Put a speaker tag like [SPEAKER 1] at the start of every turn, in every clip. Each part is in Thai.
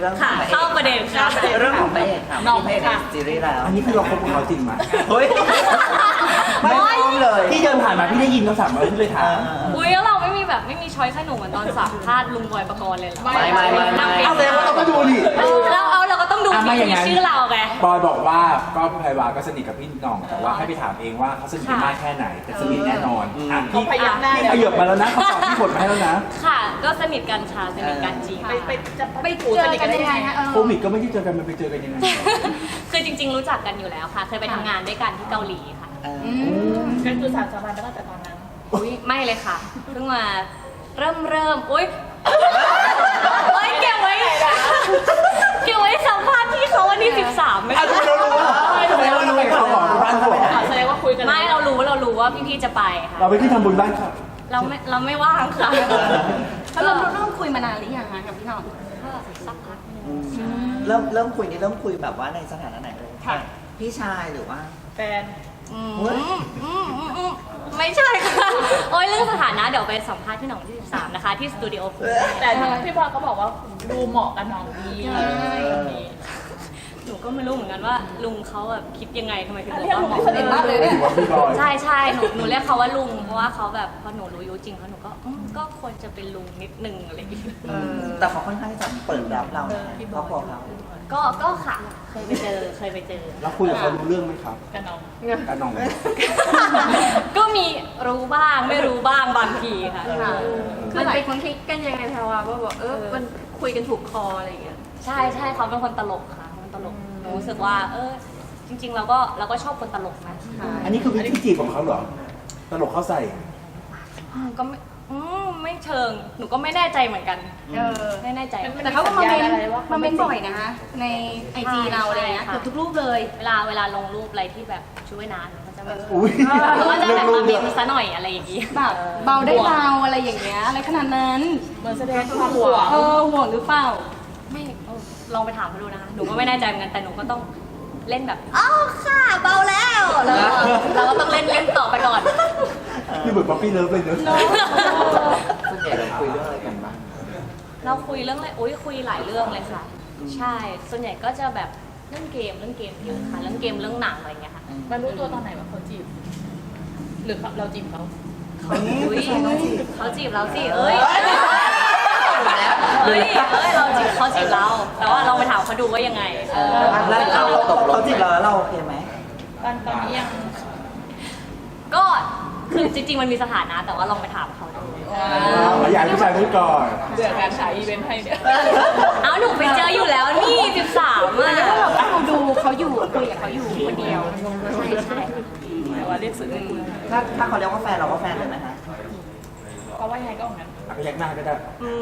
[SPEAKER 1] รื่อง
[SPEAKER 2] ค่ะเข้าประเด็นค่ะ
[SPEAKER 1] เรื่องของพระเอกค่ะ
[SPEAKER 2] น้อง
[SPEAKER 1] พระเอกในซีรีส์แล้ว
[SPEAKER 3] อันนี้คือเราคบกับเขาจริงไหม
[SPEAKER 1] เฮ้ยไม่พร้อมเลย
[SPEAKER 3] พี่เดินผ่านมาพี่ได้ยินคำสั่งมาพี่เลยถาม
[SPEAKER 2] อุ้ยแล้วเราไม่มีแบบไม่มีช้อยส์ให้หนูเหมือนตอนสัมภาษณ์ลุงบอยปกรณ์เลยเหรอ
[SPEAKER 1] ไม่
[SPEAKER 3] เอาเลยว่าเราก็ดูดิ
[SPEAKER 2] เราก็ต้องดู
[SPEAKER 3] ไม่อย่าง
[SPEAKER 2] ที่
[SPEAKER 3] นั้น
[SPEAKER 2] ชื่อเราไง
[SPEAKER 3] บอยบอกว่าก็ไพรวาก็สนิทกับพี่หน่องแต่ว่าให้ไปถามเองว่าเขาสนิทกันมากแค่ไหนแต่สนิทแน่นอนอ่ะพี่
[SPEAKER 2] พยักหน้า
[SPEAKER 3] พี่ขยับมาแล้วนะเขาตอบพี่บทมาให้แล้วนะ
[SPEAKER 2] ค่ะ ก็สนิทกันค่ะสนิทกันจริง
[SPEAKER 4] ไปเจอกันยังไงฮะ
[SPEAKER 3] โควิดก็ไม่ได้เจอกันมันไปเจอกันยังไง
[SPEAKER 2] คือจริง ๆ รู้จักกันอยู่แล้วค่ะ เคยไปทำงานด้วยกันที่เกาหลีค่ะ
[SPEAKER 4] ก็คือสารสัมพันธ์ตั้งแต่ตอนนั้น
[SPEAKER 2] อุ้ยไม่เลยค่ะเพิ่งมาเริ่มอุ้ยเก็บไว้สัมภาษณ์ที่เขาวันที่13ไม่
[SPEAKER 3] ทำไมเรารู้ว่าทำไมเรารู้ว่าเขาบอกบ้านเขาบอก
[SPEAKER 4] แสดงว่าคุยกัน
[SPEAKER 2] ไม่เรารู้ว่าพี่ๆจะไปค่ะ
[SPEAKER 3] เราไปที่ทำบุญบ้านเขา
[SPEAKER 2] เราไม่ว่างค่ะ
[SPEAKER 4] แล้วเราเริ่มคุยมานานหรือยังคะกับพี่หน่อง
[SPEAKER 2] ก็สักพักหนึง
[SPEAKER 1] เริ่มคุยนี่เริ่มคุยแบบว่าในสถานะไหนเลยพี่ชายหรือว่า
[SPEAKER 4] แฟน
[SPEAKER 2] ไม่ใช่ค่ะโอ้ยเรื่องสถานะเดี๋ยวไปสัมภาษณ์ที่หนองที่13นะคะที่สตูดิโอคุณ
[SPEAKER 4] แต่พี่บอยก็บอกว่าดูเหมาะกับน้องดีคนนี้
[SPEAKER 2] หนูก็ไม่รู้เหมือนกันว่าลุงเขาแบบคิดยังไงทำไมถึงบอก
[SPEAKER 4] เรียก
[SPEAKER 2] ว่า
[SPEAKER 4] ลุง
[SPEAKER 2] เหมาะ
[SPEAKER 4] สนิทมากเลย
[SPEAKER 3] ไม่ถือว่าพี่บอย
[SPEAKER 2] ใช่หนูเรียกเขาว่าลุงเพราะว่าเขาแบบพอหนูรู้อายุจริงเขาหนูก็ก็ควรจะเป็นลุงนิดนึงอะไรอย่างเงี้ย
[SPEAKER 1] แต่เขาค่อนข้างที่จะเปิดรับเรานะครอบครัวเขา
[SPEAKER 2] ก็ค่ะเคยไปเจอ
[SPEAKER 3] แล้วคุยกับเขารู้เรื่องไหมครับ
[SPEAKER 4] กับน้อง
[SPEAKER 3] กันน้อง
[SPEAKER 2] ก็มีรู้บ้างไม่รู้บ้างบางทีค่ะ
[SPEAKER 5] มันเป็นคนคลิกกันยังไงแพรว่าบอกมันคุยกันถูกคออะไรอย่างเงี้ย
[SPEAKER 2] ใช่เขาเป็นคนตลกค่ะคนตลกหนูรู้สึกว่าจริงๆเราก็ชอบคนตลกนะ
[SPEAKER 3] อันนี้คือวิธีจีบของเขาเหรอตลกเขาใส่
[SPEAKER 2] ก็ไม่เชิงหนูก็ไม่แน่ใจเหมือนกันไม่แน่ใจ
[SPEAKER 5] แต่เขาก็มาเมนบ่อยนะคะในไอจีเราอะไรเงี้ยเกือบทุกรูปเลย
[SPEAKER 2] เวลาลงรูปอะไรที่แบบช่วยนานเขาจะแบบ
[SPEAKER 3] อุ้ย
[SPEAKER 2] เขาก็จะแบบมาเมนซะหน่อยอะไรอย่างงี้
[SPEAKER 5] แบบเบาได้เบาอะไรอย่างเงี้ยอะไรขนาดนั้น
[SPEAKER 4] เหมือนแสดงความห่วง
[SPEAKER 5] ห่วงหรือเปล่า
[SPEAKER 2] ไม่ลองไปถามเขาดูนะคะหนูก็ไม่แน่ใจเหมือนกันแต่หนูก็ต้องเล่นแบบอ้าวค่ะเบาแล้วเราก็ต้องเล่นต่อไปก่อน
[SPEAKER 3] นี่เหมือนป๊อปปี้เลิฟเลยเนอะ
[SPEAKER 1] ส่วนใหญ่เราคุยเรื่องอะไรกันบ้าง
[SPEAKER 2] เราคุยเรื่องอะไรคุยหลายเรื่องเลยค่ะ ใช่ส่วนใหญ่ก็จะแบบเรื่องเกมเยอะค่ะเรื่องเกมเรื่องหนังอะไรอย่างเงี้ยค่ะ
[SPEAKER 4] มารู้ตัวตอนไหนว่าเขาจีบ หรือเราจีบเขา
[SPEAKER 2] เขาจีบเราสิเขาจีบเรา แต่ว่าเราไปถามเขาดูว่ายังไง
[SPEAKER 1] แล้วเราตกเขาจีบเราแล้วเราโอเคไหม
[SPEAKER 4] ตอนนี้ยัง
[SPEAKER 2] ก็คือจริงๆมันมีสถานะแต่ว่าลองไปถามเขาดู
[SPEAKER 3] อยากให้ผู้ชายพูดก่อน
[SPEAKER 4] เดือดการฉายอีเวนต์ให้เนี่ย
[SPEAKER 2] เอาหนูไปเจออยู่แล้วนี่13อ่ะ
[SPEAKER 5] แล้วเราก็ดูเขาอยู่คุยกับเขาอยู่คนเดียว
[SPEAKER 2] ใช่
[SPEAKER 4] แต่ว่าเรียกสื่อ
[SPEAKER 1] ถ้าเขาเรียกว่าแฟนเราก็แฟนเลยไหมคะ
[SPEAKER 4] ก็ว่ายังไงก็อย่างนั้น
[SPEAKER 3] พยักหน้าก็ได้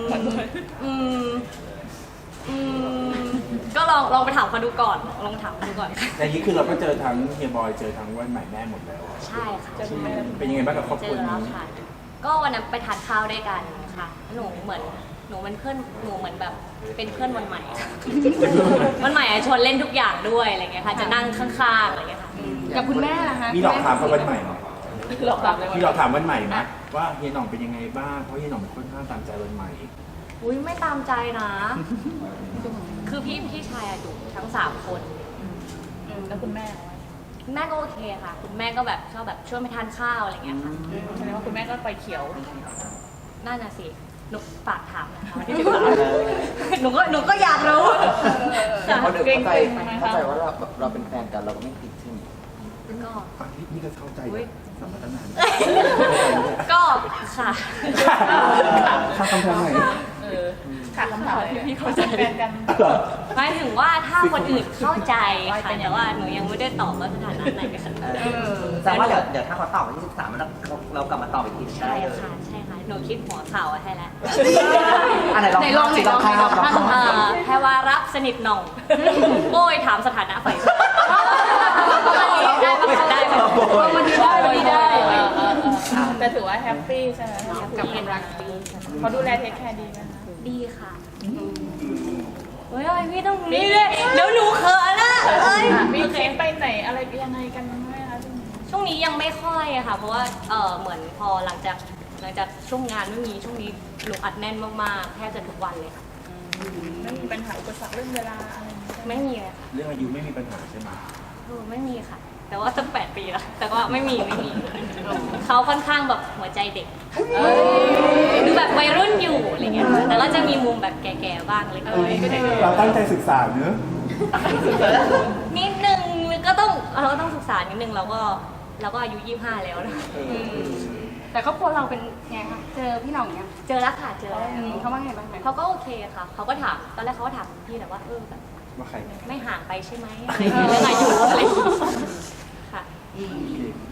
[SPEAKER 2] ก็ลองไปถามเขาดูก่อนลองถามเขาดูก่อน
[SPEAKER 3] แต่นี้คือเราก็เจอทั้งเฮียบอยเจอทั้งวันใหม่แม่หมดแล้ว
[SPEAKER 2] ใช่ค่ะ
[SPEAKER 3] เป็นยังไงบ้างกับครอบ
[SPEAKER 2] เจ
[SPEAKER 3] ครัว
[SPEAKER 2] อแล้ว
[SPEAKER 3] นี้
[SPEAKER 2] ค่ะ ก็วันนั้นไปทานข้าวด้วยกันค่ะ หนูเหมือนเพื่อนหนูเหมือนแบบเป็นเพื่อนวันใหม่อะวันใหม่อะชวนเล่นทุกอย่างด้วยอะไรเงี้ยค่ะ จะนั่งข้างๆอะไรเงี้ยค่ะ
[SPEAKER 5] กับคุณแม่ล่ะคะ
[SPEAKER 3] มีหลอกถามเขาวันใหม่ไหม
[SPEAKER 4] หลอกหลับเลย
[SPEAKER 3] มีหลอกถามวันใหม่ไหมว่าเฮียหน่องเป็นยังไงบ้างเพราะเฮียหน่องค่อนข้างตามใจวันใหม่
[SPEAKER 2] อุ้ยไม่ตามใจนะ คือพี่ชายอะดุทั้ง3 คน
[SPEAKER 4] แล้วคุณแม่
[SPEAKER 2] คุณแม่ก็โอเคค่ะ คุณแม่ก็แบบชอบแบบชวนไปทานข้าวอะไรเงี้ยค่ะ
[SPEAKER 4] แสดงว่าคุณแม่ก็ไปเขียว
[SPEAKER 2] น่าจะสิหนูฝากถามนะคะวันที่13หนูก็อยากรู้ค่ะ
[SPEAKER 1] เขาเดี๋ยวเข้าใจว่าเราเป็นแฟนกันเราก็ไม่ติดใช่ไหม
[SPEAKER 2] ก็
[SPEAKER 3] นี่ก็เข้าใจสมัยตั้งนาน
[SPEAKER 2] ก็ค่ะ
[SPEAKER 3] ข้าคำถามไหน
[SPEAKER 4] ขาดคำถามพี่เขาจะแฟนกัน
[SPEAKER 2] หมายถึงว่าถ้าคนอื่นเข้าใจค่ะแต่ว่าหนูยังไม่ได้ตอบว่าสถานะไหนค่ะ
[SPEAKER 1] แสดงว่าเดี๋ยวถ้าเขาตอบวันที่13เรากลับมาตอบอีกที
[SPEAKER 2] ใช่ค่ะใช่ค่ะหนูคิดหัวข่าวไว้ให้แล้ว
[SPEAKER 1] อันไหนลองสิลองภาพ
[SPEAKER 2] แพรวารักสนิทหน่องโอ้ยถามสถานะฝ่ายได้วันนี้ได้
[SPEAKER 4] แต่ถือว่าแฮปปี้ใช่ไหม
[SPEAKER 2] กับความรักดี
[SPEAKER 4] เขาดูแลเทคแคร์ดีไหมคะ
[SPEAKER 2] ดีค่ะเฮ้ยพี่ต้องนี่เลยเดี๋ยวหนูเขินนะเอ้ย
[SPEAKER 4] มีทริปไปไหนอะไรยังไงกันไหมคะ
[SPEAKER 2] ช่วงนี้ยังไม่ค่อยอะค่ะ เพราะว่าเหมือนพอหลังจากช่วงงานไม่มีช่วงนี้หนูอัดแน่นมากๆแทบจะทุกวันเลยค่ะ
[SPEAKER 4] ไม่มีปัญหาอุปสรรคเรื่องเวลาอะไรอย่างเงี้ย
[SPEAKER 2] ไม่มีเลยค่ะ
[SPEAKER 3] เรื่องอายุไม่มีปัญหาใช่ไหม
[SPEAKER 2] ไม่มีค่ะ แต่ว่าตั้ง8 ปีแล้วแต่ก็ไม่มีเขาค่อนข้างแบบหัวใจเด็กดูแบบวัยรุ่นอยู่อะไรเงี้ยแต่ก็จะมีมุมแบบแก่ๆบ้างเล็กน้อย
[SPEAKER 3] เราตั้งใจศึกษาเนอะ
[SPEAKER 2] นิดนึงก็ต้องศึกษานิดนึงเราก็อายุ25แล้วนะ
[SPEAKER 5] แต่ครอบครัวเราเป็นไงคะเจอพี่หน่องยัง
[SPEAKER 2] เจอแล้วค่ะเจอแล้ว
[SPEAKER 5] เขาว่าไงบ้างไหม
[SPEAKER 2] เขาก็โอเคค่ะเขาก็ถามตอนแรกเขาก็ถามพี่แต่ว่าแบบ
[SPEAKER 3] ว่าใคร
[SPEAKER 2] ไม่ห่างไปใช่ไหมอะไรอย่างเงี้ยเรื่องอายุอะไรอย่างเงี้ยค่ะ
[SPEAKER 3] โอเค